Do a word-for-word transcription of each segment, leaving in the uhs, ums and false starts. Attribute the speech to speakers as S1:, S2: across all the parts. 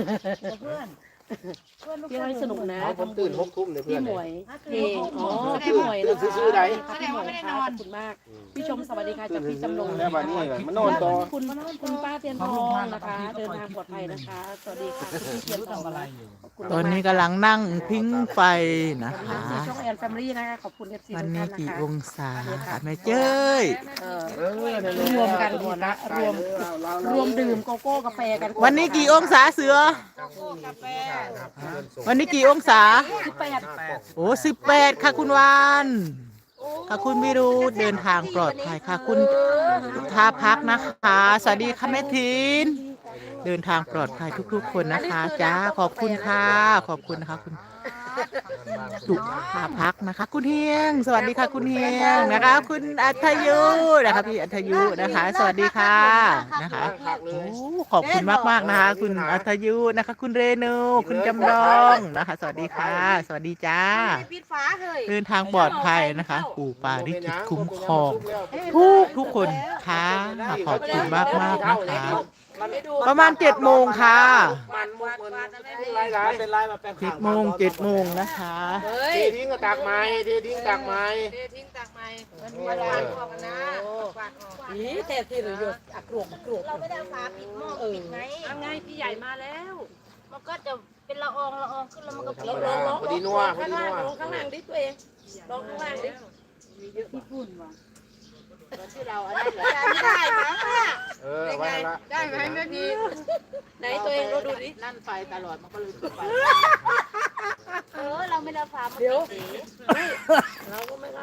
S1: เพื่อน
S2: เที่ยวให้สนุกนะ
S3: ผมตื่นหกทุ่มเลยเพื่อน
S2: พี่หมวยเพลงอ๋อ
S3: ตื่
S2: พี่
S3: น
S2: หมวย
S3: ตื่นซื่อๆใด
S2: พี่หมวยค่ะขอบคุณมากพี่ชมสวัสดีค่ะจากพี่จำลอง
S3: แล้ววันนี้มันนอนต่อ
S2: คุณคุณป้าเตียนทองนะคะ เดินทางปลอดภัยนะคะสวัสดีค่ะคุณพี่เตียนทองอะไร
S1: ตอนนี้กำลังนั่งพิงไฟนะ
S2: ขอบ
S1: คะ
S2: คุณช่องแอนแฟมิลี่นะคะขอบคุณเอฟซี
S1: วัน
S2: ทุก
S1: นี้
S2: ท่านนะ
S1: กี่
S2: คะ
S1: องศาค่ะแม่เจ้ย
S2: เออ
S3: เออ
S2: รวมกันหมดละรวมรวมดื่มโกโก้กาแฟกัน
S1: วันนี้กี่องศาเสือ วันนี้กี่องศา
S2: สิบแปด
S1: โอ้สิบแปดค่ะคุณวานค่ะคุณวิรุธเดินทางปลอดภัยค่ะคุณท่าพักนะคะสวัสดีค่ะแม่ทินเดินทางปลอดภัยทุกๆ คนนะคะจ้าขอบคุณค่ะขอบคุณนะคะคุณสุภาพักนะคะ คุณเฮียง สวัสดีค่ะคุณเฮียงนะคะ คุณอัธยุนะคะพี่อัธยุนะคะ สวัสดีค่ะนะคะโอ้ขอบคุณมากๆนะคะ คุณอัธยุนะคะ คุณเรนูคุณจำลองนะคะ สวัสดีค่ะ สวัสดีจ้าเดินทางปลอดภัยนะคะปู่ปาริจิตคุ้มครองทุกทุกคนค่ะขอบคุณมากมากๆนะคะประมาณเจ็ดโมงค่ะ
S3: มันมุกมันลายลายเป็นลายมาแปลง
S1: เจ็ดโมงเจ็ดโมงนะคะ
S3: เททิ้งก็ตากไม้เททิ้งตากไม้
S4: ทิ้งตากไม้
S3: มัน
S4: มาล้างออกกันนะฝากออก
S2: นี่แต่ที่เหลืออยู่อักรวกอักรวก
S4: เราไม่ได้เอาฝาปิดหม้อปิดไง
S2: ยังไงพี่ใหญ่มาแล้ว
S4: มันก็จะเป็นละอองละอองขึ้นแล้วมันก็ปิด
S2: ลองลอง
S3: พอดีนัวพอ
S2: ข้าง
S3: ดี
S2: ล่าง
S3: นัว
S2: ลองข้างล่างดิตัวเองลองข้างล่างดิ
S4: ที่เราอันนั้นได้ไหม
S3: เออไว้ละ
S4: ได้ไหมแม่พี่
S2: ไหนตัวเองเราดูดิ
S4: นั่นไฟตลอดมันก็เลยปิดไฟเออเราไม่ได้ฝามาปิด
S2: เราก็ไม่ได้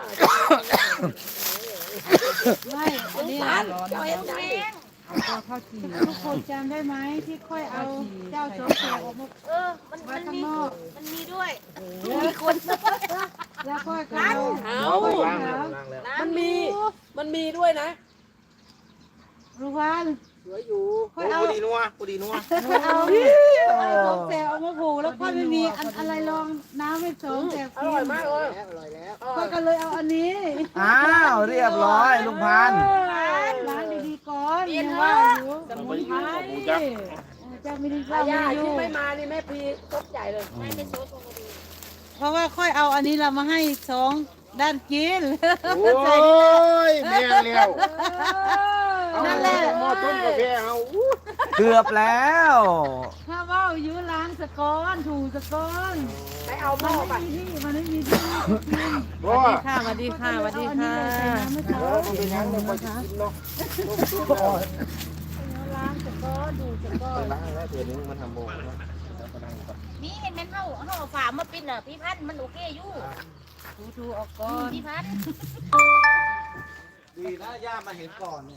S5: ไม่อันนี้
S2: ร้านเจ้าเอ็นไง
S5: ทุกคนจำได้ไหมที่ค่อยเอาเจ้าโจ๊กแกออกมา
S4: เออมันมันมีมันมีด้วย
S5: แล้วค่อยก็เอา
S2: เอา
S3: เอาไปล้างแล้วล้างแล้ว
S2: มันมีมันมีด้วยนะ
S5: รู้ว่า
S3: สวยอยู่
S5: ค่อยเอา
S3: พอดีนัวพอดีนัว
S5: ค่อยเอาโจ๊กแกออกมาผูกแล้วค่อยไม่มีอันอะไรรองน้ำไม่สองแต่
S2: อ
S5: กิ
S2: ร่อย
S5: น
S2: มากเลย
S3: อร่อยแล้ว
S5: ค่อยก็เลยเอาอันนี้
S1: อ้าวเรียบร้อยลุงพันธุ์
S5: ล้างดีๆก่อนยังว่าอยู่สมุนไพรเจ้าไม่ได้
S2: อา
S5: เล่า
S2: ญา
S5: ไม่อ
S2: ที่
S5: ยู่
S2: ไม่มานี่แม่พีตบใหญ่เลย
S4: ไม่เป็นโซดลงมาดู
S5: เพราะว่าค่อยเอาอันนี้เรามาให้สองด้านกิน
S3: โอ้ยแม่เลี้ยว
S5: นั่นแหละ
S3: หม้อต้มกาแฟเอาอู้
S1: เกือบแล้ว
S5: ถ้าว่าอยู่ล้างสะก้อนถูสะก้อน
S2: ไปเอาห
S5: มั
S2: ม้อน ไป
S5: ไม่มีที่มันไม่มีที่กิน
S3: บ่
S2: ค่ะสวัสดีค่ะสวัสดีค่ะ
S3: เออมันเป็นยังไงพอจะกินเนาะ
S5: ล้างสะก้อนดูสะก้อน
S3: ล้างแล้วเดี๋ยวนี้มันทำโมงแล้วแล้วก็นั่งก่อน
S4: นี่เห็นไหมเฮาเฮาฝามาปิดน่ะพี่พันมันโอเคอยู่
S5: ดูดูออกก้อน
S4: พี่พัน
S1: ดีนะย่ามาเห็นก่อนเนี่ย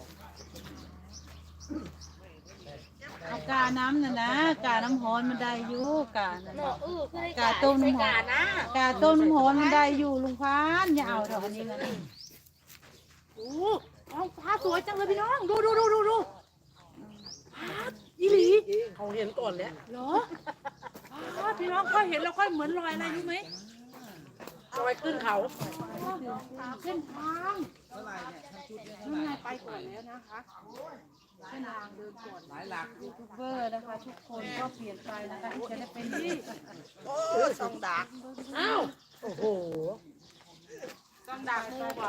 S5: เอากาน้ำน่ะนะกาน้ำฮ้อนมันได้อยู่กาน่ะ
S4: เนาะเออคือได้
S5: กาต้ม
S4: ใส่
S5: น้ำฮ้อก
S4: าน นะ
S5: กาต้มน้ำฮ้อนมันได้อยู่ลุงพานอย่าเอาเถอะอันนี้นะ
S2: โอ้เอาฟ้าสวยจังเลยพี่น้องดูดูดูดูดูฟ้าอีหลีเขาเห็นก่อนแล้วเหรอฟ้าพี่น้องค่อยเห็นแล้วค่อยเหมือนรอยอะไรรู้ไหมรอยขึ้นเขา
S5: เส้นทางนั่นไงไปก่อนแล้วนะคะเส้นทางเดินก่อนหลายหลักยูทูบเบอร์นะคะ ทุกคนก็เปลี่ยนไปนะคะที่จะได้เป็นที่
S4: สองดัก
S2: อ้าวโอ้โห
S4: สองดักงูบ่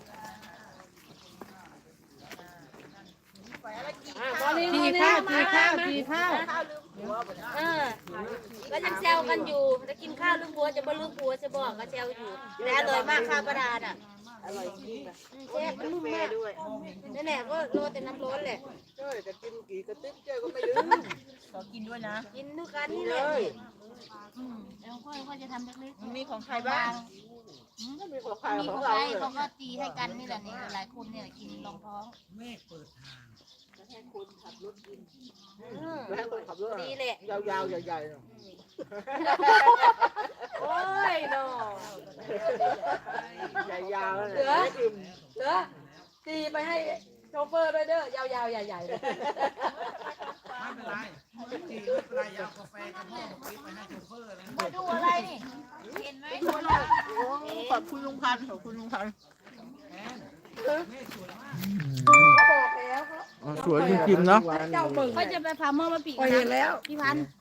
S2: อ่ะมอนี่ม
S5: ที
S2: อนี่
S5: ข้าว
S2: มา
S5: ทีข้าว
S2: มา
S5: ทีข้าว
S4: เออก็ยังแซวกันอยู่จะกินข้าวลืมผัวจะบ่ลืมผัวจะบอกก็แซวอยู่แต่อร่อยมากข้าวประดาดอ่ะอร่อยจริงแซ่บมันนุ่มมากด้วยนั่นแหละก็โรยแต่น้ำร้อนแหละ
S3: เจ้ยจะกินกี่กระติ๊บเจ้ยก็ไม่ลืม
S4: กินด้วยกันนี่แหละแล้วค่อยๆจะทำเล็กๆมีของใครบ้าง
S3: มีของใคร
S4: มี
S3: ข
S4: ข
S3: อ
S4: อง ง
S3: เรา
S4: ใคร
S3: เนี่ย
S4: เขาก็ตีให้กันนี่แหละนี่หลายคนเนี่ยกินรองท้อง
S3: แล้วให้คนขับรถ
S4: ดีแหละ
S3: ยาวๆใหญ่ๆเนาะ
S2: โอ้ยเนาะ
S3: ยาวๆ
S2: เหลื
S3: นะ
S2: อเหลือตีไปให้โชเฟอร์ด้วยเด้อยาวๆใหญ่ๆเลย
S1: ไม่เป็นไรไม่เป็นไรอยากกาแฟกับพ่อไปให้โชเฟอร์เลย
S4: มาดูอะไรนี่เห็นไหมดูอะไร
S1: ขอบคุณลุงพันธุ์ขอบคุณลุงพันธุ์
S2: เขาบอกแล้วเขา
S1: สวยจริงๆเนาะ
S2: เจ้าเบิ่ง
S4: เขาจะไปพาหม้อมาปีก
S2: พอเห็นแล้ว
S4: พี่พันธุ์